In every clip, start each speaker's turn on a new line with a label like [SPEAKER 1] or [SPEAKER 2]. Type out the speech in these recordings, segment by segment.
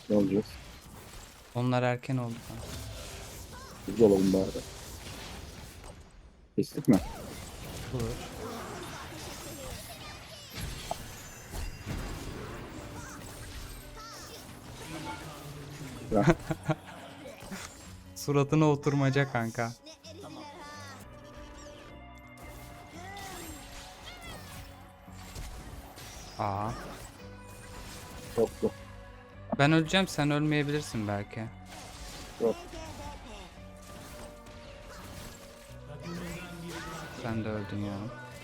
[SPEAKER 1] Ne olacağız?
[SPEAKER 2] Onlar erken oldu kanka.
[SPEAKER 1] Biz de olalım bari. Kestik mi?
[SPEAKER 2] Olur.
[SPEAKER 1] Ya.
[SPEAKER 2] Suratına oturmaca kanka. Aa.
[SPEAKER 1] Yoktu.
[SPEAKER 2] Ben öleceğim, sen ölmeyebilirsin belki.
[SPEAKER 1] Yok.
[SPEAKER 2] Sen de öldün ya.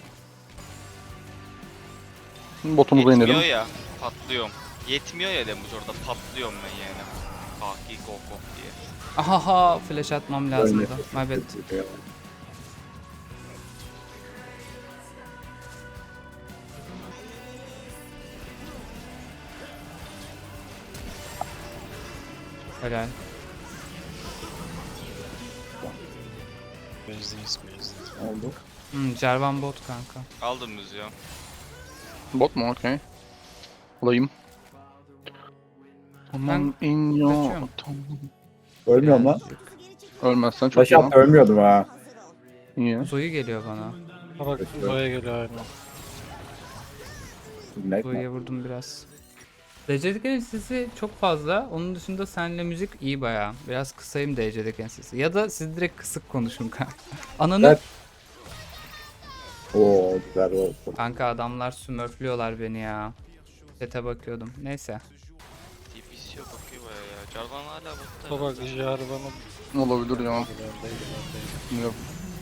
[SPEAKER 3] Botumuza
[SPEAKER 4] Yetmiyor
[SPEAKER 3] inelim.
[SPEAKER 4] ya, patlıyorum. Yetmiyor ya demiş orada, patlıyorum ben yani. Kaki koko diye.
[SPEAKER 2] Ahaha, flash atmam lazımdı. My bad. Helal.
[SPEAKER 5] Bezdeyiz.
[SPEAKER 1] Oldu.
[SPEAKER 2] Jarvan bot kanka.
[SPEAKER 4] Aldım müziği.
[SPEAKER 3] Bot mu? Okey. Alayım. Aman in yo.
[SPEAKER 2] kaçıyorum.
[SPEAKER 1] Ölmüyorum lan.
[SPEAKER 2] Birazcık.
[SPEAKER 3] Ölmezsen çok
[SPEAKER 1] Taş
[SPEAKER 3] iyi lan.
[SPEAKER 1] attı ölmüyordum ha.
[SPEAKER 3] İyi.
[SPEAKER 2] Zoe geliyor bana.
[SPEAKER 5] Ha bak buraya geliyor aynen.
[SPEAKER 1] Ne?
[SPEAKER 2] Zoe'ye vurdum biraz. DC'deki ensesi çok fazla. Onun dışında seninle müzik iyi bayağı. Biraz kısayım DC'deki ensesi. Ya da siz direkt kısık konuşun kanka. Ananı...
[SPEAKER 1] Evet. Oo güzel oldu.
[SPEAKER 2] Kanka adamlar smurflüyorlar beni ya. Chat'e bakıyordum. Neyse.
[SPEAKER 4] TPC yok bakıyor baya ya. Jarvan hala botta.
[SPEAKER 5] Ha bak Jarvan'ın
[SPEAKER 3] Olabilir ya. Yok.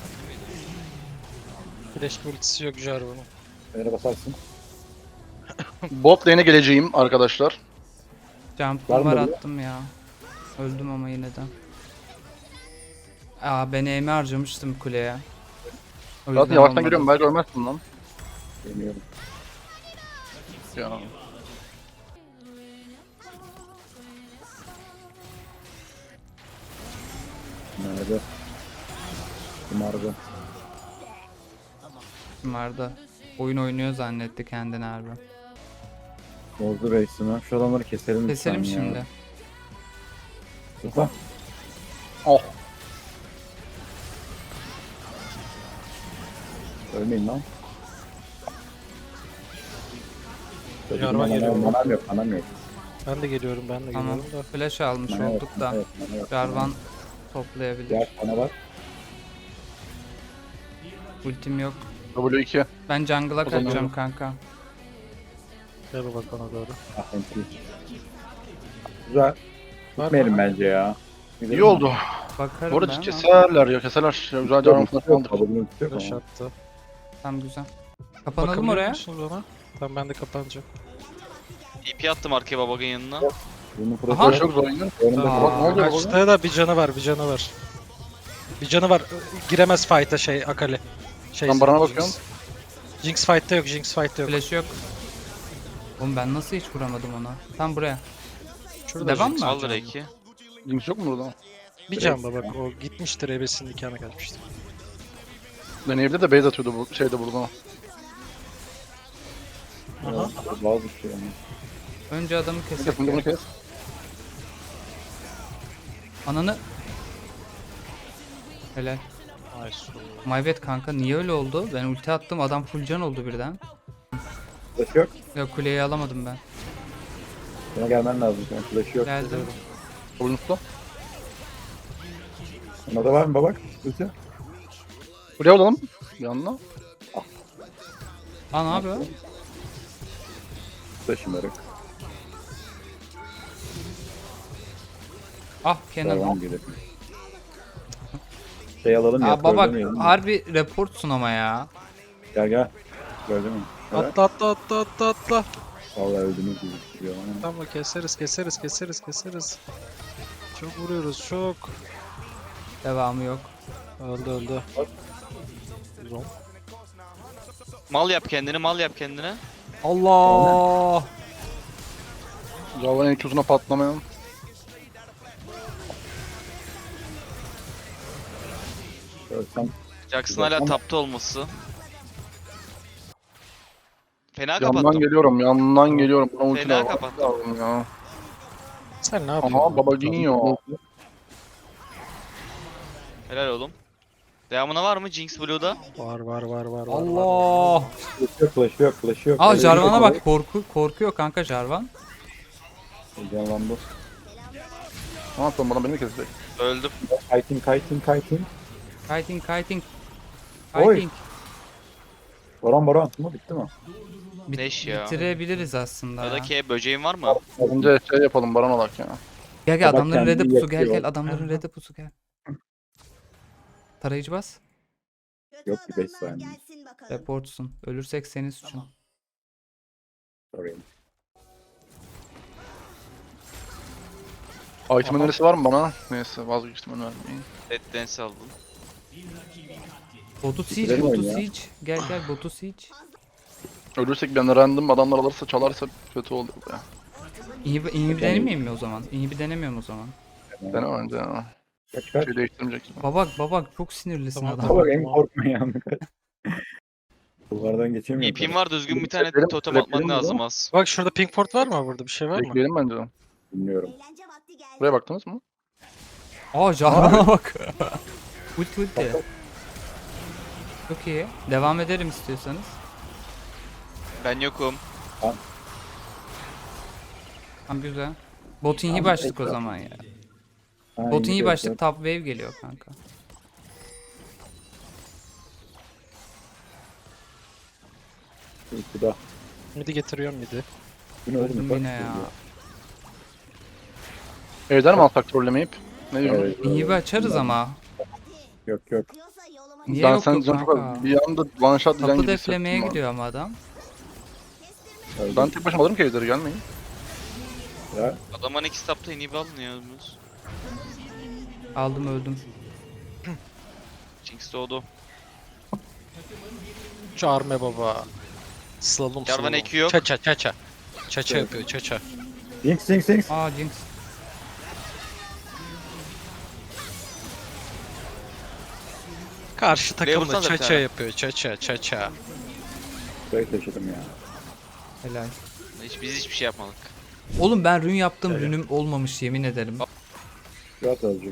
[SPEAKER 5] flash ultisi yok Jarvan'ın.
[SPEAKER 1] Nereye basarsın?
[SPEAKER 3] Bot lane'e geleceğim arkadaşlar.
[SPEAKER 2] Jump'ım
[SPEAKER 1] Var mı
[SPEAKER 2] var
[SPEAKER 1] böyle?
[SPEAKER 2] attım ya. Öldüm ama yine de. Aa ben aim'i harcamıştım kuleye. O
[SPEAKER 3] Zaten
[SPEAKER 2] yüzden
[SPEAKER 3] yavaştan
[SPEAKER 2] olmadı.
[SPEAKER 3] geliyorum, belki ölmezsin lan.
[SPEAKER 1] Bilmiyorum.
[SPEAKER 3] Ya.
[SPEAKER 1] Nerede? Kumarda.
[SPEAKER 2] Vardı. Oyun oynuyor zannetti kendini harbi.
[SPEAKER 1] Bozdu reisimi. Şu adamları keselim
[SPEAKER 2] Keselim
[SPEAKER 1] lütfen ya.
[SPEAKER 2] şimdi.
[SPEAKER 1] Lütfen.
[SPEAKER 3] Oh.
[SPEAKER 1] Ölmeyin lan.
[SPEAKER 5] Jarvan geliyor.
[SPEAKER 1] Manam yok, manam yok.
[SPEAKER 5] Ben de geliyorum
[SPEAKER 2] Tamam.
[SPEAKER 5] da.
[SPEAKER 2] Flash almış
[SPEAKER 1] Mana yok,
[SPEAKER 2] olduk da.
[SPEAKER 1] mana yok, mana yok.
[SPEAKER 2] Jarvan toplayabilir.
[SPEAKER 1] Diğer bana bak.
[SPEAKER 2] Ultim yok.
[SPEAKER 3] W2.
[SPEAKER 2] Ben jungle'a
[SPEAKER 3] O zaman-
[SPEAKER 2] kaçacağım kanka.
[SPEAKER 5] Gel bak bana doğru.
[SPEAKER 1] Ah enti. Güzel. Gitmeyelim bence ya.
[SPEAKER 3] İyi oldu.
[SPEAKER 2] Bakarım
[SPEAKER 3] Bu arada
[SPEAKER 2] ben ama.
[SPEAKER 3] keserler ya, keserler. Ya, güzel canım falan falandır.
[SPEAKER 5] Flash attı.
[SPEAKER 2] Tamam güzel. Kapanalım
[SPEAKER 5] Bakabiliyor
[SPEAKER 2] oraya.
[SPEAKER 5] musunuz ona? Tamam ben de kapanacağım.
[SPEAKER 4] TP attım arkaya babagın yanına.
[SPEAKER 1] Bunun
[SPEAKER 2] Aha.
[SPEAKER 1] profili
[SPEAKER 3] Çok zor oyunun.
[SPEAKER 1] önümde
[SPEAKER 2] Aa.
[SPEAKER 3] Bak ne oluyor baba?
[SPEAKER 5] Kaçta da bir canı var. Bir canı var. Giremez fight'a şey Akali. Şey,
[SPEAKER 3] Ben Baran'a
[SPEAKER 5] Jinx.
[SPEAKER 3] bakıyorum.
[SPEAKER 5] Jinx fight'ta yok.
[SPEAKER 2] Flash yok. Oğlum ben nasıl hiç vuramadım ona? Tam buraya.
[SPEAKER 5] Şurada
[SPEAKER 2] Devam
[SPEAKER 5] Jinx.
[SPEAKER 2] mı?
[SPEAKER 4] Aldır eki.
[SPEAKER 3] Jinx yok mu burada?
[SPEAKER 5] Bir can da bak o gitmiştir ebesinin nikahına kaçmıştır.
[SPEAKER 3] Deneyevde de base atıyordu bu şeyde burada.
[SPEAKER 5] Aha.
[SPEAKER 1] bazı bir şey yani.
[SPEAKER 2] Önce adamı
[SPEAKER 3] Kes
[SPEAKER 2] kesek.
[SPEAKER 3] bunu kes.
[SPEAKER 2] Ananı. Helal.
[SPEAKER 5] Nice.
[SPEAKER 2] My bad kanka niye öyle oldu? Ben ulti attım adam full can oldu birden.
[SPEAKER 1] Flash yok.
[SPEAKER 2] Ya kuleyi alamadım ben.
[SPEAKER 1] Sana gelmen lazım. Yani flash yok.
[SPEAKER 2] Geldim.
[SPEAKER 3] Oyuncusu.
[SPEAKER 1] Ona da var mı babak? Ulti.
[SPEAKER 3] Buraya alalım. Bir anda.
[SPEAKER 2] Aa ne yapıyor?
[SPEAKER 1] Taşımarak.
[SPEAKER 2] Ah Kenan.
[SPEAKER 1] Devam gidelim. Şey alalım ya.
[SPEAKER 2] Aa baba
[SPEAKER 1] öldürmeyelim.
[SPEAKER 2] harbi reportsun ama ya.
[SPEAKER 1] Gel gel. Gördün mü? Evet.
[SPEAKER 5] Atla.
[SPEAKER 1] Vallahi öldünüz gibi duruyor ama.
[SPEAKER 5] Tamam keseriz. Çok vuruyoruz çok.
[SPEAKER 2] Devamı yok.
[SPEAKER 5] Öldü. Zon.
[SPEAKER 4] Mal yap kendini, mal yap kendine.
[SPEAKER 2] Allah.
[SPEAKER 3] Javan Q'suna patlamayan.
[SPEAKER 1] Ölsem
[SPEAKER 4] Jackson hala tapta olması. Fena
[SPEAKER 3] Yandan
[SPEAKER 4] kapattım.
[SPEAKER 3] geliyorum, yandan geliyorum. Buna ulti
[SPEAKER 4] Fena
[SPEAKER 3] lazım
[SPEAKER 4] kapattım.
[SPEAKER 3] ya.
[SPEAKER 5] Sen ne yapıyorsun?
[SPEAKER 3] Aha Babagino.
[SPEAKER 4] Helal oğlum. Devamına var mı Jinx Blue'da?
[SPEAKER 5] Var.
[SPEAKER 2] Allah.
[SPEAKER 1] Flash yok, flash yok, flash yok.
[SPEAKER 2] Aa
[SPEAKER 1] Öyle
[SPEAKER 2] Jarvan'a
[SPEAKER 1] bir-
[SPEAKER 2] bak, korkuyor kanka Jarvan.
[SPEAKER 1] Heyecanlandı.
[SPEAKER 3] Ne yapalım bana beni mi kesecek?
[SPEAKER 4] Öldüm.
[SPEAKER 1] Kiting.
[SPEAKER 2] Fighting.
[SPEAKER 1] Oy.
[SPEAKER 2] Fighting.
[SPEAKER 1] Baron. Bu bitti mi?
[SPEAKER 4] Neş ya.
[SPEAKER 2] Bitirebiliriz aslında
[SPEAKER 4] Ya da
[SPEAKER 2] ya.
[SPEAKER 4] ki böceğin var mı?
[SPEAKER 3] Önce şey yapalım Baron olarak ya.
[SPEAKER 2] Gel
[SPEAKER 1] Bak
[SPEAKER 2] adamların
[SPEAKER 1] kendini
[SPEAKER 2] red'e pusu
[SPEAKER 1] yakıyor.
[SPEAKER 2] gel adamların red'e pusu gel. Tarayıcı bas.
[SPEAKER 1] Yok ki 5 saniye.
[SPEAKER 2] Reportsun. Ölürsek senin suçun.
[SPEAKER 1] Sorry.
[SPEAKER 3] Item önerisi var mı bana? Neyse vazgeçtim önermeyin.
[SPEAKER 4] Dead Dance aldım.
[SPEAKER 2] Botu siege,
[SPEAKER 1] Bitirelim
[SPEAKER 2] botu
[SPEAKER 1] oyunu ya.
[SPEAKER 2] siege. Gel botu siege.
[SPEAKER 3] Ölürsek bir anda random adamlar alırsa çalarsa kötü olur ya.
[SPEAKER 2] İyi bir denemeyeyim mi o zaman? İyi bir denemiyorum o zaman.
[SPEAKER 3] Dene önce ya.
[SPEAKER 1] Kaç.
[SPEAKER 3] Şey değiştirmeyecek.
[SPEAKER 2] Babak çok sinirlisin
[SPEAKER 5] Tamam,
[SPEAKER 2] adam.
[SPEAKER 1] Bak en korkmayan. Kulvardan geçemiyor.
[SPEAKER 4] İpim var düzgün bir tane
[SPEAKER 3] Bekleyelim,
[SPEAKER 4] totem
[SPEAKER 3] bekleyelim
[SPEAKER 4] atman
[SPEAKER 3] o
[SPEAKER 4] lazım
[SPEAKER 3] zaman.
[SPEAKER 4] az.
[SPEAKER 5] Bak şurada Pinkford var mı burada? Bir şey var mı?
[SPEAKER 3] Bekleyelim bence.
[SPEAKER 1] Bilmiyorum.
[SPEAKER 3] Buraya baktınız mı?
[SPEAKER 2] Aa Jarvan'a bak. Ulti. Çok iyi. Devam ederim istiyorsanız.
[SPEAKER 4] Ben yokum.
[SPEAKER 2] Tamam güzel. Botun iyi başlık o zaman ya. Botun iyi başlık top wave geliyor kanka.
[SPEAKER 1] Bu da.
[SPEAKER 5] Midi getiriyorum midi.
[SPEAKER 1] Bunu öldüm.
[SPEAKER 2] Öldüm yine ya.
[SPEAKER 3] Evden mi alsak trollemeyip? Ne diyorsun?
[SPEAKER 1] Evet.
[SPEAKER 2] İyi bir açarız ama.
[SPEAKER 1] Yok.
[SPEAKER 2] Niye
[SPEAKER 3] Ben
[SPEAKER 2] yok
[SPEAKER 3] sen
[SPEAKER 2] yok
[SPEAKER 3] çok
[SPEAKER 2] kanka?
[SPEAKER 3] bir anda one shot diyeceksin
[SPEAKER 2] Kapı
[SPEAKER 3] gibi
[SPEAKER 2] deflemeye
[SPEAKER 3] hissettim
[SPEAKER 2] gidiyor ama adam.
[SPEAKER 1] Öldüm.
[SPEAKER 3] Ben tek başıma alırım ki evleri gelmeyin.
[SPEAKER 1] Ya,
[SPEAKER 4] Adamın iki stopta inhibi alınıyoruz.
[SPEAKER 2] Aldım öldüm.
[SPEAKER 4] Jinx doğdu.
[SPEAKER 5] Çağırma baba. Slalom.
[SPEAKER 4] Jarvan eki yok.
[SPEAKER 5] Çaça. Çaça yapıyor çaça.
[SPEAKER 1] Jinx.
[SPEAKER 2] Aa Jinx.
[SPEAKER 5] Karşı takımda
[SPEAKER 4] vursana bir
[SPEAKER 5] çaça
[SPEAKER 4] tane.
[SPEAKER 5] yapıyor çaça.
[SPEAKER 1] Burayı taşıdım ya.
[SPEAKER 2] Helal.
[SPEAKER 4] Biz hiçbir şey yapmadık.
[SPEAKER 2] Oğlum ben rün yaptım, rünüm olmamış yemin ederim.
[SPEAKER 1] Rahat azıcık.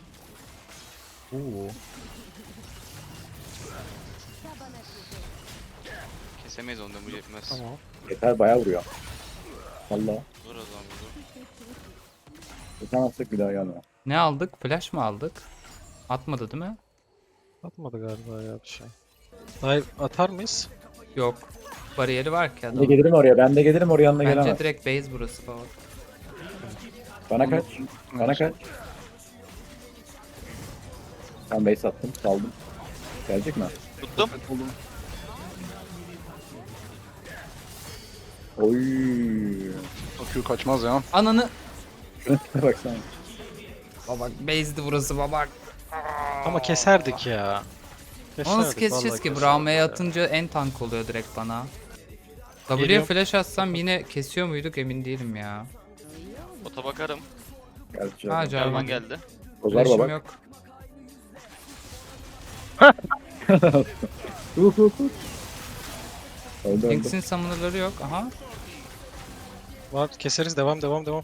[SPEAKER 4] Kesemeyiz onu da bu yetmez.
[SPEAKER 5] Tamam.
[SPEAKER 1] Yeter bayağı vuruyor. Valla.
[SPEAKER 4] Dur o zaman dur.
[SPEAKER 1] Tutamazsak bir daha gelme.
[SPEAKER 2] Ne aldık? Flash mı aldık? Atmadı değil mi?
[SPEAKER 5] Atmadı galiba ya bir şey. Dive atar mıyız?
[SPEAKER 2] Yok. Bariyeri var ki
[SPEAKER 1] Ben de
[SPEAKER 2] adam.
[SPEAKER 1] gelirim oraya. Ben de gelirim oraya yanına
[SPEAKER 2] Bence
[SPEAKER 1] gelemez.
[SPEAKER 2] direkt base burası falan.
[SPEAKER 1] Bana kaç. Ben base attım. Saldım. Gelecek mi?
[SPEAKER 4] Tuttum.
[SPEAKER 1] Oy.
[SPEAKER 3] Q kaçmaz ya.
[SPEAKER 2] Ananı.
[SPEAKER 1] Şuna baksana.
[SPEAKER 2] Babak base'di burası babak.
[SPEAKER 5] Ama keserdik ya.
[SPEAKER 2] Onu nasıl
[SPEAKER 5] Keserdik,
[SPEAKER 2] keseceğiz
[SPEAKER 5] vallahi
[SPEAKER 2] ki?
[SPEAKER 5] keserdik
[SPEAKER 2] Braum'a
[SPEAKER 5] ya.
[SPEAKER 2] atınca en tank oluyor direkt bana. W'ye
[SPEAKER 5] Geliyorum.
[SPEAKER 2] flash atsam yine kesiyor muyduk emin değilim ya.
[SPEAKER 4] Bota bakarım.
[SPEAKER 1] Gelecek.
[SPEAKER 2] Ha
[SPEAKER 4] Jarvan
[SPEAKER 2] Jarvan.
[SPEAKER 4] geldi.
[SPEAKER 1] Kozlar
[SPEAKER 2] Flash'im
[SPEAKER 1] bak.
[SPEAKER 2] yok.
[SPEAKER 1] Öldü.
[SPEAKER 2] Jinx'in summoner'ları yok. Aha.
[SPEAKER 5] Var keseriz devam.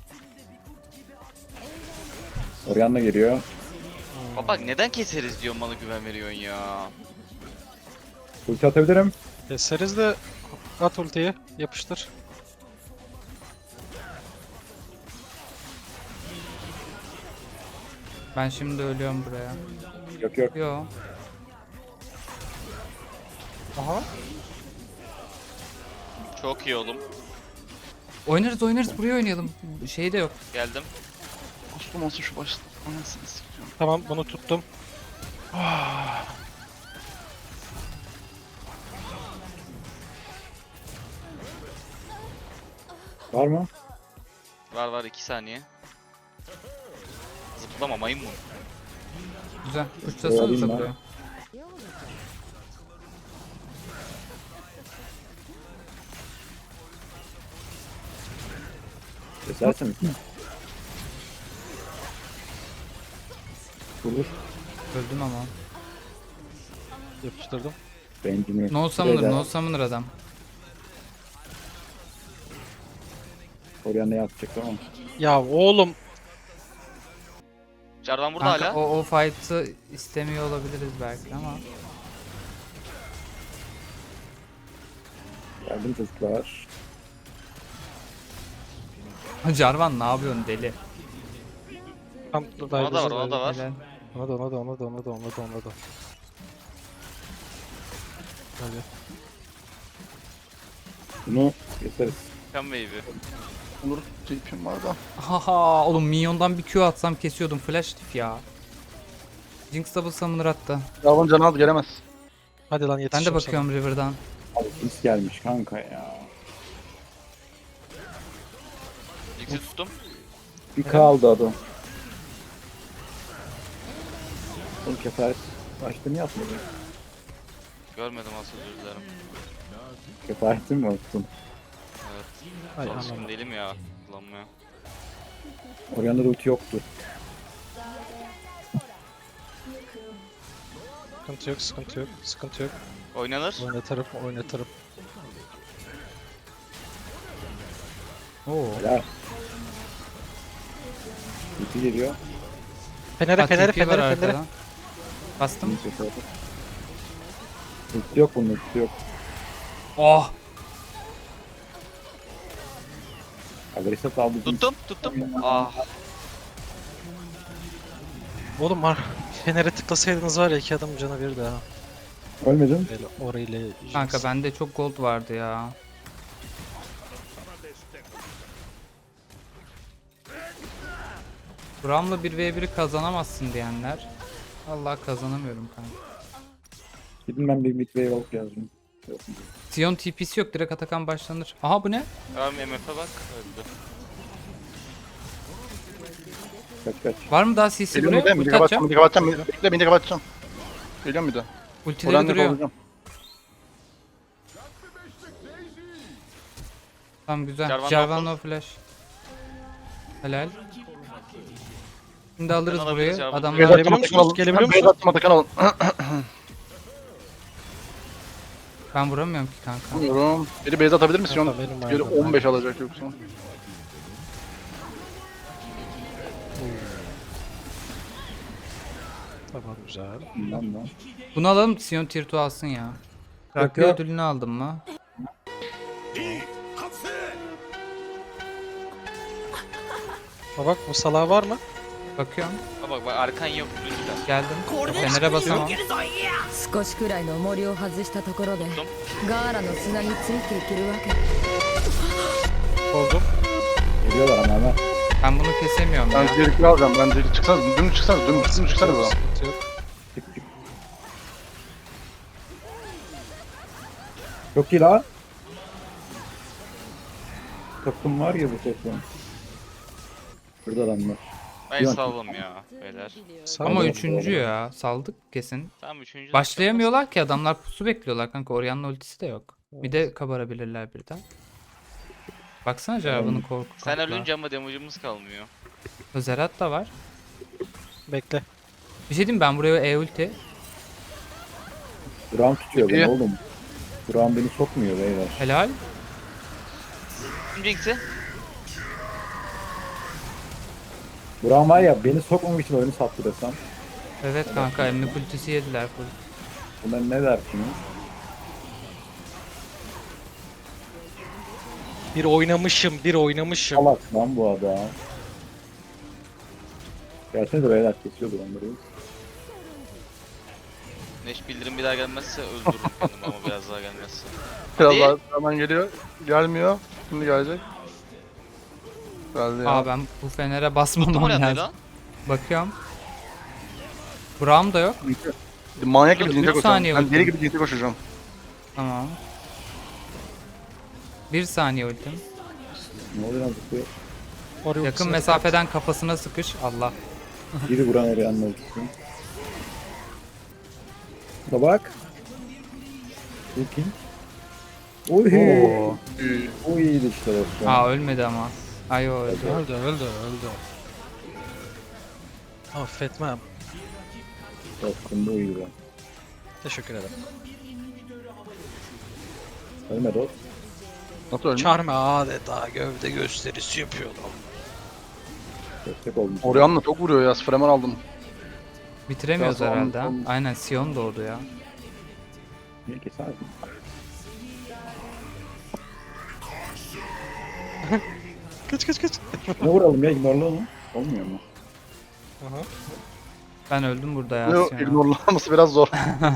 [SPEAKER 1] Orianna geliyor.
[SPEAKER 4] Baba neden keseriz diyor bana güven veriyorsun ya.
[SPEAKER 1] Ulti atabilirim.
[SPEAKER 5] Keseriz de at ultiyi yapıştır.
[SPEAKER 2] Ben şimdi ölüyorum buraya.
[SPEAKER 1] Yok.
[SPEAKER 2] Yo.
[SPEAKER 5] Aha.
[SPEAKER 4] Çok iyi oğlum.
[SPEAKER 2] Oynarız buraya oynayalım. Şey de yok.
[SPEAKER 4] Geldim.
[SPEAKER 3] Kustum olsun şu başta. Anasını sikeceğim.
[SPEAKER 5] Tamam bunu tuttum.
[SPEAKER 1] Var mı?
[SPEAKER 4] Var 2 saniye. Zıplama maymun.
[SPEAKER 2] Güzel. Uçtasana
[SPEAKER 1] Alayım ben.
[SPEAKER 2] zıplıyor.
[SPEAKER 1] Kesersin. Vurur.
[SPEAKER 2] Öldüm ama.
[SPEAKER 5] Yapıştırdım.
[SPEAKER 1] Bencimi.
[SPEAKER 2] No summoner adam.
[SPEAKER 1] Orianna'ya atacak ama.
[SPEAKER 5] Ya oğlum.
[SPEAKER 4] Jarvan burada
[SPEAKER 2] Kanka,
[SPEAKER 4] hala.
[SPEAKER 2] o fight'ı istemiyor olabiliriz belki ama.
[SPEAKER 1] Geldim çocuklar.
[SPEAKER 2] Jarvan ne yapıyorsun deli?
[SPEAKER 5] Tam
[SPEAKER 4] Ona da var, ona da var.
[SPEAKER 2] Helal.
[SPEAKER 5] Ona da. Hadi.
[SPEAKER 1] Bunu keseriz.
[SPEAKER 4] Come baby.
[SPEAKER 3] Olur. TP'm var da.
[SPEAKER 2] Haha oğlum minyondan bir Q atsam kesiyordum flash tip ya. Jinx double summoner attı.
[SPEAKER 3] Yavrum canı az gelemez.
[SPEAKER 5] Hadi lan
[SPEAKER 2] Ben
[SPEAKER 5] yetişeceğim
[SPEAKER 2] de bakıyorum River'dan.
[SPEAKER 1] Abi Kings gelmiş kanka ya.
[SPEAKER 4] Jinx'i tuttum.
[SPEAKER 1] Bir kaldı adam. Oğlum kefaret başta niye atmadın?
[SPEAKER 4] Görmedim asıl, özür dilerim.
[SPEAKER 1] Kefaretin mi attın?
[SPEAKER 4] Evet.
[SPEAKER 5] Ay,
[SPEAKER 4] Alışkın
[SPEAKER 5] anam.
[SPEAKER 4] değilim ya. Kullanmaya.
[SPEAKER 1] Orianna'da ulti yoktu.
[SPEAKER 5] Sıkıntı yok.
[SPEAKER 4] Oynanır.
[SPEAKER 5] Oynatırım.
[SPEAKER 2] Oo.
[SPEAKER 1] Helal. Ulti geliyor.
[SPEAKER 5] Fenere.
[SPEAKER 2] TP var arkadan. Bastım.
[SPEAKER 1] Kings kefaret. Ulti yok bunun ulti yok.
[SPEAKER 2] Oh.
[SPEAKER 1] Agresif aldı.
[SPEAKER 4] Tuttum. Ah.
[SPEAKER 5] Oğlum Fener'e tıklasaydınız var ya 2 adamın canı bir daha.
[SPEAKER 1] Ölmedim.
[SPEAKER 5] Böyle orayla Jinx.
[SPEAKER 2] Kanka bende çok gold vardı ya. Bram'la 1v1'i kazanamazsın diyenler. Allah kazanamıyorum kanka.
[SPEAKER 1] Gidin ben bir midway alıp yazdım.
[SPEAKER 2] Sion TP'si yok, direkt Atakan başlanır. Aha bu ne?
[SPEAKER 4] Tamam MF'e bak. Öldü.
[SPEAKER 1] Kaç.
[SPEAKER 2] Var mı daha CC
[SPEAKER 3] Geliyorum bir de.
[SPEAKER 2] buraya?
[SPEAKER 3] Bir de
[SPEAKER 2] Ulti atacağım.
[SPEAKER 3] kapatacağım. Bekle bir de kapatacağım. Geliyorum bir de.
[SPEAKER 2] Ultileri
[SPEAKER 3] Orianna'yı
[SPEAKER 2] duruyor.
[SPEAKER 3] kovacağım.
[SPEAKER 2] Tamam güzel.
[SPEAKER 4] Jarvan
[SPEAKER 2] Jarvan
[SPEAKER 4] no
[SPEAKER 2] no flash. Helal. Şimdi alırız
[SPEAKER 4] Ben alabiliriz
[SPEAKER 2] burayı.
[SPEAKER 4] Jarvan'ı.
[SPEAKER 2] Adamlar
[SPEAKER 5] Gelebiliyor
[SPEAKER 3] Atakan
[SPEAKER 5] musunuz?
[SPEAKER 3] alın.
[SPEAKER 5] Gelebiliyor
[SPEAKER 3] Beyaz
[SPEAKER 5] musunuz?
[SPEAKER 3] attım, Atakan alın.
[SPEAKER 2] ben vuramıyorum ki kanka.
[SPEAKER 3] Bilmiyorum. Biri base atabilir misin?
[SPEAKER 5] Kanka, benim
[SPEAKER 3] Biri
[SPEAKER 5] ayağımda.
[SPEAKER 3] 15 alacak yoksa.
[SPEAKER 5] Tamam güzel.
[SPEAKER 1] Bundan da.
[SPEAKER 2] Bunu alalım, Sion tier 2 alsın ya. Rakı
[SPEAKER 1] Yok.
[SPEAKER 2] ödülünü aldım mı?
[SPEAKER 5] Bak bu salağı var mı?
[SPEAKER 2] Bakıyorum.
[SPEAKER 4] Bak arkan yok lütfen.
[SPEAKER 2] Geldim. Fener'e basamam.
[SPEAKER 6] 少しくらいの重りを外したところでガーラの砂についていけるわけ。
[SPEAKER 5] Oldum.
[SPEAKER 1] Geliyorlar ama hemen.
[SPEAKER 2] Ben bunu kesemiyorum
[SPEAKER 3] Ben
[SPEAKER 2] ya.
[SPEAKER 3] zirikli alacağım. Ben zirikli çıksanız. Dümdüz çıksanız. Dümdüz çıksanız buradan.
[SPEAKER 5] Sıkıntı yok.
[SPEAKER 1] Çık. Çok iyi lan. Takım var ya bu takım. Burada adamlar.
[SPEAKER 4] Ben
[SPEAKER 1] Yok.
[SPEAKER 4] saldım ya beyler.
[SPEAKER 5] Sağ
[SPEAKER 2] Ama
[SPEAKER 5] ol.
[SPEAKER 2] üçüncü ya. Saldık kesin.
[SPEAKER 4] Tamam 3.
[SPEAKER 2] Başlayamıyorlar ki, adamlar pusu bekliyorlar kanka. Orianna ultisi de yok. Bir de kabarabilirler birden. Baksana Jarvan'ın korku.
[SPEAKER 4] Sen
[SPEAKER 2] korku.
[SPEAKER 4] ölünce ama damage'ımız kalmıyor.
[SPEAKER 2] Zerat da var.
[SPEAKER 5] Bekle.
[SPEAKER 2] Bir şey diyeyim mi? Ben buraya E-ulti.
[SPEAKER 1] Buram tutuyor beni
[SPEAKER 3] İyi.
[SPEAKER 1] oğlum. Buram beni sokmuyor beyler.
[SPEAKER 2] Helal.
[SPEAKER 4] Jinx'i.
[SPEAKER 1] Buram var ya beni sokmamak için oyunu sattı desem.
[SPEAKER 2] Evet kanka, emmi ultisi yediler full.
[SPEAKER 1] Bunlar ne dersiniz?
[SPEAKER 5] Bir oynamışım.
[SPEAKER 1] Salak lan bu adam. Gelsene de beyler kesiyordur onları.
[SPEAKER 4] Neş bildirim bir daha gelmezse öldürürüm kendimi ama biraz daha gelmezse.
[SPEAKER 3] Biraz
[SPEAKER 4] Hadi.
[SPEAKER 3] daha hemen geliyor. Gelmiyor. Şimdi gelecek. Geldi ya.
[SPEAKER 2] Aa ben bu Fener'e
[SPEAKER 4] Tuttum
[SPEAKER 2] basmamam
[SPEAKER 4] oraya
[SPEAKER 2] lazım.
[SPEAKER 4] lan.
[SPEAKER 2] Bakıyorum. Braum da yok.
[SPEAKER 3] Manyak gibi
[SPEAKER 4] Dur,
[SPEAKER 3] cince
[SPEAKER 2] 3
[SPEAKER 3] koşacağım.
[SPEAKER 2] saniye
[SPEAKER 3] Ben
[SPEAKER 2] ultim.
[SPEAKER 3] deli gibi cince koşacağım.
[SPEAKER 2] Tamam. 1 saniye ultim.
[SPEAKER 1] Ne oluyor lan zıplıyor?
[SPEAKER 5] Oraya
[SPEAKER 2] Yakın
[SPEAKER 5] ultisini-
[SPEAKER 2] mesafeden kafasına sıkış. Allah.
[SPEAKER 1] Biri vuran oraya anlatırsın. Da bak. Looking. Oy.
[SPEAKER 2] Oo.
[SPEAKER 1] O iyiydi işte dostum.
[SPEAKER 2] Aa ölmedi ama. Ay o öldü.
[SPEAKER 5] Öldü. Affetmem.
[SPEAKER 1] Dostum bu iyiydi.
[SPEAKER 5] Teşekkür ederim.
[SPEAKER 1] Ölme dost.
[SPEAKER 3] Nasıl ölmüş?
[SPEAKER 5] Charme adeta gövde gösterisi yapıyor adam.
[SPEAKER 1] Destek olmuş.
[SPEAKER 3] Orianna çok vuruyor ya. Fremen aldım.
[SPEAKER 2] Bitiremiyoruz
[SPEAKER 3] Biraz
[SPEAKER 2] herhalde. ha.
[SPEAKER 3] on-
[SPEAKER 2] Aynen Sion doğdu ya.
[SPEAKER 1] Niye keserdim?
[SPEAKER 5] Kaç.
[SPEAKER 1] Ne vuralım ya? Ignorla onu. Olmuyor mu?
[SPEAKER 5] Aha.
[SPEAKER 2] Ben öldüm burada ya.
[SPEAKER 3] Yok,
[SPEAKER 2] Sion'a.
[SPEAKER 3] ignorlaması biraz zor.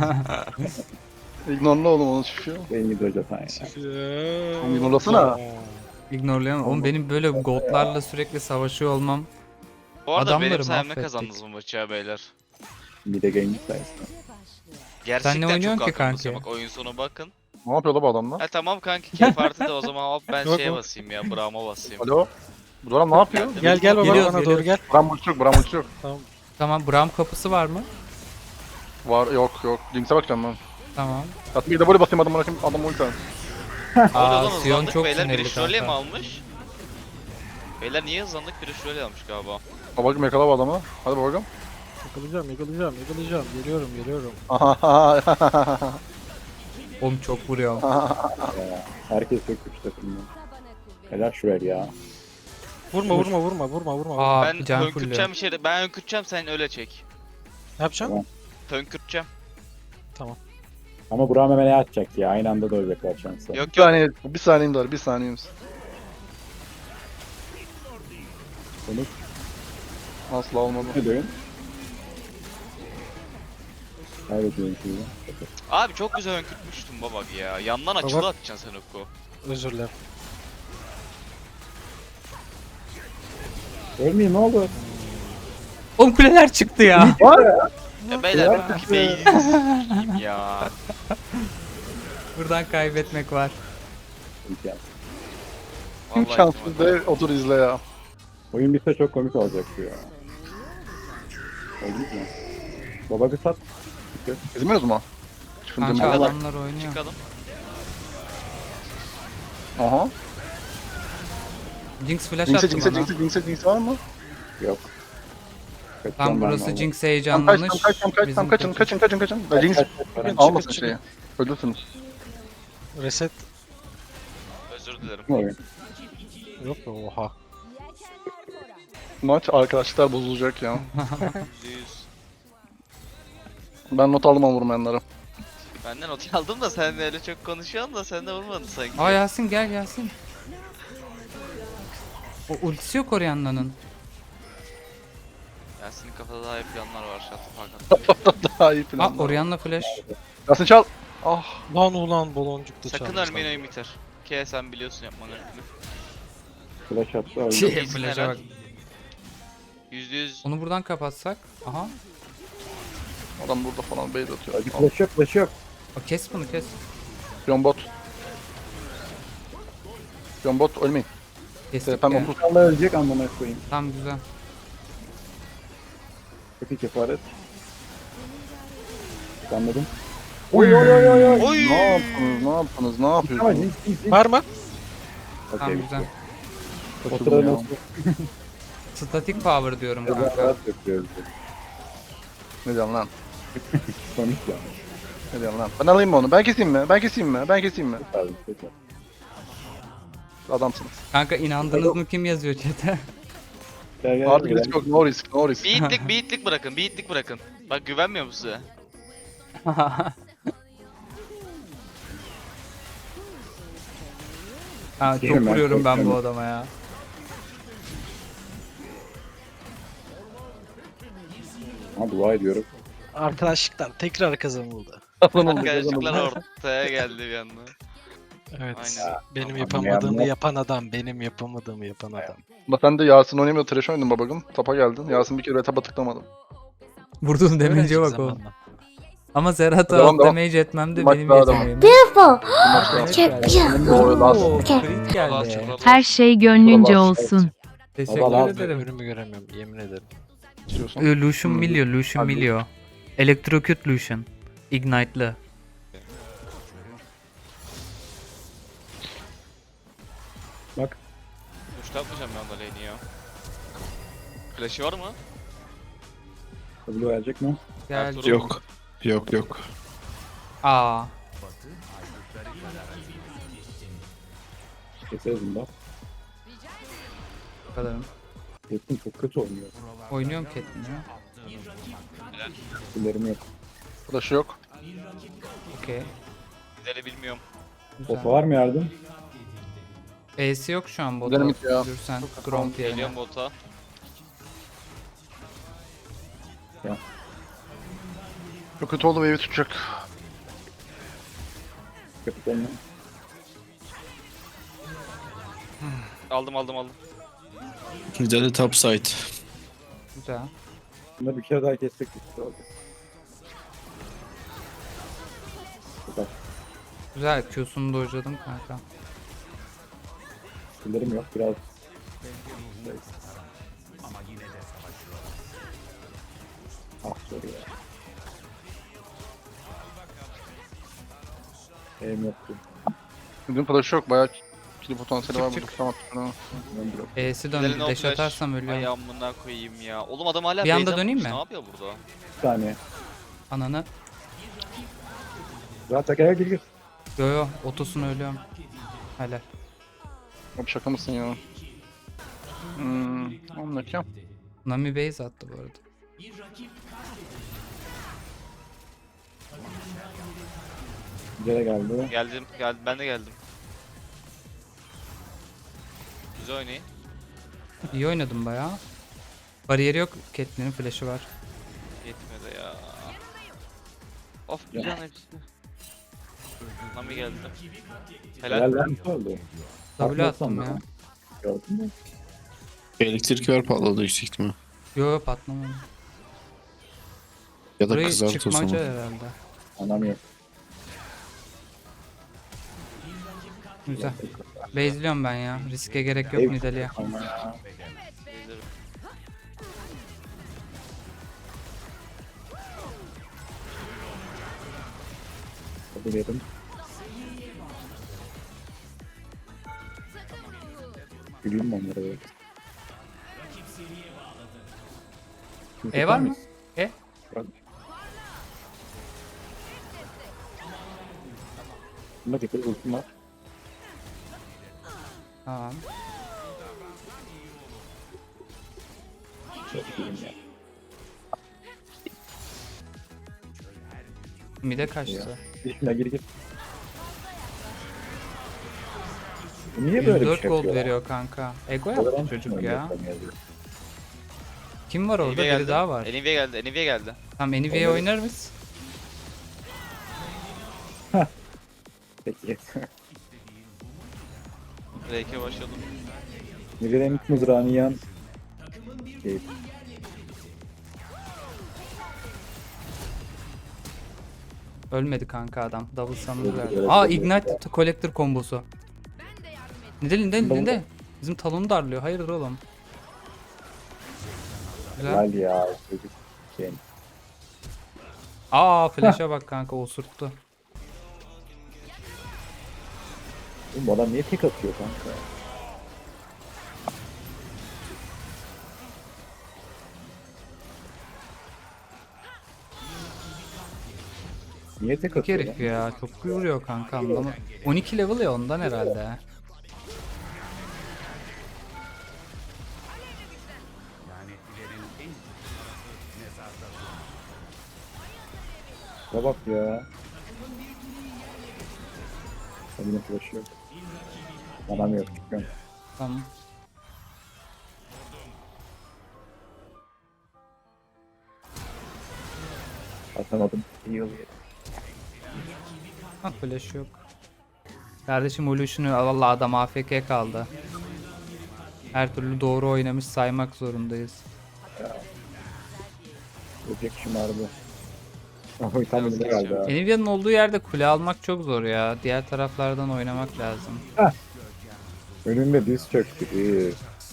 [SPEAKER 3] Ignorla oğlum onu çıkıyor.
[SPEAKER 1] Benim gibi zaten ya.
[SPEAKER 3] Ignorlasana.
[SPEAKER 2] İgnorlayamam. Oğlum benim böyle goldlarla sürekli savaşıyor olmam.
[SPEAKER 4] Bu arada
[SPEAKER 2] Adamları
[SPEAKER 4] benim sayemde
[SPEAKER 2] mahvettik.
[SPEAKER 4] kazandınız bu maçı ya beyler.
[SPEAKER 1] Bir de game sayesinde.
[SPEAKER 4] Gerçekten
[SPEAKER 2] oynuyorsun
[SPEAKER 4] çok
[SPEAKER 2] ki
[SPEAKER 4] haklısınız.
[SPEAKER 2] kanki?
[SPEAKER 4] Bak oyun sonu bakın.
[SPEAKER 3] Ne yapıyor la bu adamlar?
[SPEAKER 4] Ha tamam kanki keyif artı da o zaman hop ben
[SPEAKER 5] Yok,
[SPEAKER 4] şeye
[SPEAKER 5] yok.
[SPEAKER 4] basayım ya Braum'a basayım.
[SPEAKER 3] Alo? Bu adam ne yapıyor?
[SPEAKER 5] Gel baba
[SPEAKER 2] Geliyoruz,
[SPEAKER 5] bana doğru gel.
[SPEAKER 3] Bram ulti yok, Bram ulti yok.
[SPEAKER 2] Tamam Braum kapısı var mı?
[SPEAKER 3] Var, yok. Jinx'e bakacağım ben.
[SPEAKER 2] Tamam.
[SPEAKER 3] Hatta bir de böyle basayım adam ulti al.
[SPEAKER 2] Aa
[SPEAKER 4] Oradan
[SPEAKER 2] Sion
[SPEAKER 4] hızlandık
[SPEAKER 2] çok
[SPEAKER 4] beyler
[SPEAKER 2] sinirli
[SPEAKER 4] biri şöyle mi
[SPEAKER 2] kanka.
[SPEAKER 4] almış? Beyler niye hızlandık biri şöyle almış galiba.
[SPEAKER 3] Babacım yakala bu adamı. Hadi babacım.
[SPEAKER 5] Yakalayacağım. Geliyorum.
[SPEAKER 2] Oğlum çok vuruyor.
[SPEAKER 1] Ya, herkes çok güçlü takımda. Helal şuraya ya.
[SPEAKER 5] Vurma.
[SPEAKER 2] Aa
[SPEAKER 4] Ben
[SPEAKER 2] can
[SPEAKER 4] hönkürteceğim
[SPEAKER 2] fulluyor.
[SPEAKER 4] bir şey. Ben hönkürteceğim sen öyle çek.
[SPEAKER 5] Ne yapacaksın?
[SPEAKER 4] Hönkürteceğim.
[SPEAKER 1] Ama Burak'ım hemen ne atacak ya? Aynı anda dövecekler şansı.
[SPEAKER 4] Yok
[SPEAKER 3] Bir saniye, bir saniyem var, bir saniyemiz.
[SPEAKER 1] Konuş.
[SPEAKER 3] Asla olmadı.
[SPEAKER 1] Ne diyorsun? Kaybediyorum şimdi.
[SPEAKER 4] Abi çok güzel hönkürtmüştüm baba ya. Yandan açılı atacaksın sen oku.
[SPEAKER 5] Özür dilerim.
[SPEAKER 1] Ölmeyeyim ne oldu?
[SPEAKER 2] Oğlum kuleler çıktı ya.
[SPEAKER 4] Ya beyler ben bu beyninizi sikeyim ya.
[SPEAKER 2] Buradan kaybetmek var.
[SPEAKER 1] İmkan.
[SPEAKER 3] Kim
[SPEAKER 4] Vallahi
[SPEAKER 3] şanssız
[SPEAKER 4] ihtimalle.
[SPEAKER 3] de otur izle ya.
[SPEAKER 1] Oyun bitse çok komik olacak bu ya. Oldu mu? Baba bir sat.
[SPEAKER 3] İzmiyoruz mu? Şimdi
[SPEAKER 2] Kanka
[SPEAKER 3] bak.
[SPEAKER 2] adamlar oynuyor.
[SPEAKER 4] Çıkalım.
[SPEAKER 3] Aha.
[SPEAKER 2] Jinx flash
[SPEAKER 3] Jinx'e,
[SPEAKER 2] attı bana.
[SPEAKER 1] Jinx var mı? Yok. Kaçacağım
[SPEAKER 2] Tam
[SPEAKER 1] ben
[SPEAKER 2] burası
[SPEAKER 1] vallahi.
[SPEAKER 2] Jinx
[SPEAKER 3] Tam
[SPEAKER 2] heyecanlanmış.
[SPEAKER 3] kaçın,
[SPEAKER 2] Bizim
[SPEAKER 3] kaçın.
[SPEAKER 1] Kaç,
[SPEAKER 3] Jinx
[SPEAKER 1] kaç, kaç, kaç.
[SPEAKER 3] almasın
[SPEAKER 5] çıkın.
[SPEAKER 3] şeyi. Ölürsünüz.
[SPEAKER 5] Reset.
[SPEAKER 4] Özür dilerim.
[SPEAKER 1] Ne oyun?
[SPEAKER 5] Yok be oha.
[SPEAKER 3] Maç arkadaşlar bozulacak ya.
[SPEAKER 4] %100.
[SPEAKER 3] Ben not aldım ama vurmayanları.
[SPEAKER 4] Ben de not aldım da sen de öyle çok konuşuyorsun da sen de vurmadın sanki.
[SPEAKER 2] Aa Yasin gel Yasin. O ultisi yok Orianna'nın.
[SPEAKER 4] Yasin'in kafada daha iyi planlar var Şatı Hakan.
[SPEAKER 3] Daha iyi
[SPEAKER 2] Aa
[SPEAKER 3] plan.
[SPEAKER 2] Orianna flash.
[SPEAKER 3] Yasin çal. Ah.
[SPEAKER 5] Ulan baloncuk da
[SPEAKER 4] Sakın
[SPEAKER 5] çalmışlar.
[SPEAKER 4] ölmeyin oyun biter. Ki sen biliyorsun yapmanı öyle.
[SPEAKER 1] Flash attı öldü.
[SPEAKER 2] Şey,
[SPEAKER 4] iyisin
[SPEAKER 2] flash'a
[SPEAKER 4] helal.
[SPEAKER 2] bak.
[SPEAKER 4] %100
[SPEAKER 2] Onu buradan kapatsak. Aha.
[SPEAKER 3] Adam burada falan bait atıyor.
[SPEAKER 1] Hadi flash yok flash yok.
[SPEAKER 2] O kes bunu kes.
[SPEAKER 3] Yon bot. Yon bot ölmeyin.
[SPEAKER 2] Kestik
[SPEAKER 3] Ben
[SPEAKER 2] ya.
[SPEAKER 3] 30.
[SPEAKER 1] Allah ölecek amına koyayım.
[SPEAKER 2] Tamam güzel.
[SPEAKER 1] Çok iyi kefaret. Anladım. Oy oy oy oy oy.
[SPEAKER 4] Oy!
[SPEAKER 3] Ne yaptınız? Ne yaptınız? Ne
[SPEAKER 1] Ama
[SPEAKER 3] yapıyorsunuz?
[SPEAKER 1] Jinx.
[SPEAKER 5] Var mı?
[SPEAKER 2] Tamam
[SPEAKER 1] Okey.
[SPEAKER 2] güzel.
[SPEAKER 1] O
[SPEAKER 3] Kaçırdım
[SPEAKER 1] sırada
[SPEAKER 3] ya.
[SPEAKER 1] nasıl?
[SPEAKER 2] Static power diyorum
[SPEAKER 1] Biraz
[SPEAKER 2] kanka.
[SPEAKER 1] rahat yapıyoruz.
[SPEAKER 3] Ne diyorsun lan?
[SPEAKER 1] Komik ya.
[SPEAKER 3] Ne diyorsun lan? Ben alayım mı onu? Ben keseyim mi?
[SPEAKER 1] Abi, peki.
[SPEAKER 3] Adamsınız.
[SPEAKER 2] Kanka inandınız mı kim yazıyor chat'e?
[SPEAKER 1] Gel gel.
[SPEAKER 3] Artık
[SPEAKER 1] gel.
[SPEAKER 3] risk yok. No risk. No risk.
[SPEAKER 4] bir itlik bırakın, bir itlik bırakın. Bak güvenmiyor mu size?
[SPEAKER 2] Ha çok
[SPEAKER 1] Yerim ben,
[SPEAKER 2] vuruyorum ben bu
[SPEAKER 1] korkuyorum.
[SPEAKER 2] adama ya.
[SPEAKER 1] Ha dua ediyorum.
[SPEAKER 5] Arkadaşlıklar tekrar kazanıldı.
[SPEAKER 4] Arkadaşlıklar ortaya geldi bir anda.
[SPEAKER 5] Evet.
[SPEAKER 4] Aynen.
[SPEAKER 5] Benim
[SPEAKER 1] Ama
[SPEAKER 5] yapamadığımı
[SPEAKER 1] yani-
[SPEAKER 5] yapan adam. Benim yapamadığımı yapan adam.
[SPEAKER 3] Ama sen de Yasin oynamıyor. Trash oynadın babacım. Tapa geldin. Yasin bir kere tapa tıklamadı.
[SPEAKER 2] Vurdum demeyince
[SPEAKER 5] Öğrenecek
[SPEAKER 2] bak o.
[SPEAKER 5] zamanla.
[SPEAKER 2] Ama Serhat'a
[SPEAKER 3] Devam,
[SPEAKER 2] alt
[SPEAKER 3] devam.
[SPEAKER 2] damage etmem de
[SPEAKER 3] Maç
[SPEAKER 2] benim
[SPEAKER 3] daha devam.
[SPEAKER 2] yeteneğim.
[SPEAKER 3] Bu maç daha.
[SPEAKER 2] Oo,
[SPEAKER 3] last.
[SPEAKER 2] crit
[SPEAKER 4] Allah
[SPEAKER 2] geldi.
[SPEAKER 4] çok
[SPEAKER 7] Her şey gönlünce
[SPEAKER 3] Bravo.
[SPEAKER 7] olsun.
[SPEAKER 2] Teşekkür
[SPEAKER 1] Allah
[SPEAKER 2] ederim.
[SPEAKER 5] Önümü göremiyorum yemin ederim.
[SPEAKER 3] İstiyorsan.
[SPEAKER 2] Lucian Milio, Lucian
[SPEAKER 3] Hadi.
[SPEAKER 2] Milio. Electrocute Lucian. Ignite'lı.
[SPEAKER 1] Bak.
[SPEAKER 4] Uçta atmayacağım ben da lane'i ya. Flash'ı var mı?
[SPEAKER 1] W gelecek mi?
[SPEAKER 2] Geldi.
[SPEAKER 4] Ertuğrul.
[SPEAKER 8] Yok.
[SPEAKER 2] Aa.
[SPEAKER 1] Keseriz bunu da.
[SPEAKER 2] Bu kadarım.
[SPEAKER 1] Caitlyn çok kötü oynuyor.
[SPEAKER 2] Oynuyorum Catelyn'i ya.
[SPEAKER 1] Skillerim yok.
[SPEAKER 3] Flash'ı yok.
[SPEAKER 2] Okey.
[SPEAKER 4] Gideri bilmiyorum.
[SPEAKER 2] Güzel.
[SPEAKER 1] Bota var mı yardım?
[SPEAKER 2] E'si yok şu an bota.
[SPEAKER 3] Gidelim it ya.
[SPEAKER 2] Yürürsen Gromp yerine.
[SPEAKER 4] Geliyorum bota.
[SPEAKER 3] Çok kötü oldu, wave'i tutacak.
[SPEAKER 1] Kapitanla.
[SPEAKER 4] Aldım.
[SPEAKER 7] Güzel top side.
[SPEAKER 2] Güzel.
[SPEAKER 1] Bunları bir kere daha kessek güçlü oldu. Güzel.
[SPEAKER 2] Güzel. Q'sunu dojladım kanka.
[SPEAKER 1] Skillerim yok biraz. Ah zor ya. Eğim yoktu.
[SPEAKER 3] Bugün flash'ı yok, bayağı kill potansiyeli var
[SPEAKER 2] Çık,
[SPEAKER 3] burada. Tamam. Tamam.
[SPEAKER 1] Ben biraz
[SPEAKER 2] E'si
[SPEAKER 4] Giderin
[SPEAKER 2] döndü.
[SPEAKER 4] o
[SPEAKER 2] Dash
[SPEAKER 4] flash.
[SPEAKER 2] atarsam
[SPEAKER 4] Ay
[SPEAKER 2] ölüyorum.
[SPEAKER 4] amına koyayım ya. Oğlum adam hala
[SPEAKER 2] Bir anda
[SPEAKER 4] base'den
[SPEAKER 2] döneyim
[SPEAKER 4] vurmuş.
[SPEAKER 2] mi?
[SPEAKER 4] Ne yapıyor burada?
[SPEAKER 1] bir saniye.
[SPEAKER 2] Ananı.
[SPEAKER 1] Zaten gel gir.
[SPEAKER 2] Yo otosunu ölüyorum. Helal.
[SPEAKER 3] Abi şaka mısın ya? Anlatacağım.
[SPEAKER 2] Nami base attı bu arada.
[SPEAKER 1] Güzel geldi.
[SPEAKER 4] Geldim. Ben de geldim. Güzel oynayın.
[SPEAKER 2] İyi oynadım bayağı. Bariyeri yok. Catelyn'in flash'ı var.
[SPEAKER 4] Yetmedi ya. Of bir
[SPEAKER 1] Ya.
[SPEAKER 4] can hepsi. Nami geldi.
[SPEAKER 1] Helal
[SPEAKER 4] Helal.
[SPEAKER 1] lan ne oldu?
[SPEAKER 2] W
[SPEAKER 1] Atmazsam
[SPEAKER 2] attım ya.
[SPEAKER 1] da. Gördün mü?
[SPEAKER 7] Elektrik ver patladı yüksek ihtimal.
[SPEAKER 2] Yo patlamadı.
[SPEAKER 7] Ya da
[SPEAKER 2] Burayı
[SPEAKER 7] kızart o
[SPEAKER 2] çıkmaca
[SPEAKER 7] zaman.
[SPEAKER 2] herhalde.
[SPEAKER 1] Anam yok.
[SPEAKER 2] Güzel. Base'liyorum ben ya. Riske gerek yok
[SPEAKER 1] Ev-
[SPEAKER 2] Nidalee'ye.
[SPEAKER 1] Ama ya.
[SPEAKER 4] Gelirim.
[SPEAKER 1] Hadi verin. Güleyim mi onlara böyle?
[SPEAKER 2] E var mı? E?
[SPEAKER 1] Bunda getir ultim var.
[SPEAKER 2] Tamam.
[SPEAKER 1] Çok iyiyim ya.
[SPEAKER 2] Mide kaçtı.
[SPEAKER 1] Gir gir. Bu niye böyle bir
[SPEAKER 2] 104
[SPEAKER 1] şey
[SPEAKER 2] gold
[SPEAKER 1] yapıyor?
[SPEAKER 2] veriyor kanka. Ego yaptı çocuk ya. Kim var orada?
[SPEAKER 4] Nvidia
[SPEAKER 2] Biri
[SPEAKER 4] geldi.
[SPEAKER 2] daha var.
[SPEAKER 4] Nvidia geldi.
[SPEAKER 2] Tamam Nvidia
[SPEAKER 1] Onları-
[SPEAKER 2] oynar mısın?
[SPEAKER 1] Peki.
[SPEAKER 4] Drake'e başladım.
[SPEAKER 1] Nvidia'nın ilk mızrağını yiyen şey,
[SPEAKER 2] Ölmedi kanka adam. Double summon
[SPEAKER 1] Öldü,
[SPEAKER 2] verdi.
[SPEAKER 1] öldü,
[SPEAKER 2] Aa
[SPEAKER 1] öldü.
[SPEAKER 2] Ignite Collector kombosu. Nidale.
[SPEAKER 1] Double-
[SPEAKER 2] Bizim talonu darlıyor. Hayırdır oğlum? Güzel.
[SPEAKER 1] helal ya çocuk şey.
[SPEAKER 2] Aa flash'a bak kanka osurttu.
[SPEAKER 1] Oğlum bu adam niye tek atıyor kanka? Niye tek
[SPEAKER 2] Çok
[SPEAKER 1] atıyor
[SPEAKER 2] herif
[SPEAKER 1] lan?
[SPEAKER 2] ya. Çok vuruyor kanka anlamadım. 12 level ya ondan herhalde.
[SPEAKER 1] Ya bak ya. Yine flash yok. Adam yok çıkıyorum.
[SPEAKER 2] Tamam.
[SPEAKER 1] Atamadım. İyi oluyor.
[SPEAKER 2] Ha flash yok. Kardeşim Evolution'u valla adam AFK kaldı. Her türlü doğru oynamış saymak zorundayız.
[SPEAKER 1] Ölecek şımardı. Oy tam önünde geldi ha.
[SPEAKER 2] Nvidia'nın olduğu yerde kule almak çok zor ya. Diğer taraflardan oynamak lazım.
[SPEAKER 1] Önünde diz çöktü. İyi.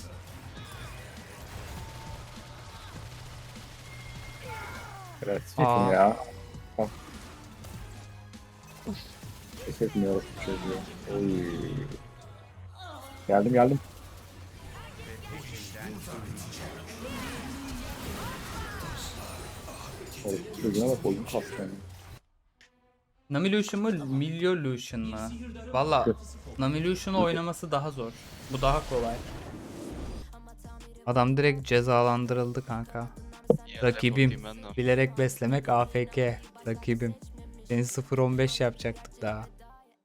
[SPEAKER 1] Evet,
[SPEAKER 2] Aa.
[SPEAKER 1] çekin ya. Bak. Pes etmiyoruz bu çocuğu. Oy. Geldim. Oy, çocuğuna bak oyun kastı yani.
[SPEAKER 2] Namilution mu? Milyolution mu? Valla Namilution'u oynaması daha zor. Bu daha kolay. Adam direkt cezalandırıldı kanka.
[SPEAKER 4] Ya,
[SPEAKER 2] Rakibim.
[SPEAKER 4] repotayım ben de.
[SPEAKER 2] Bilerek beslemek AFK. Rakibim. Seni 0-15 yapacaktık daha.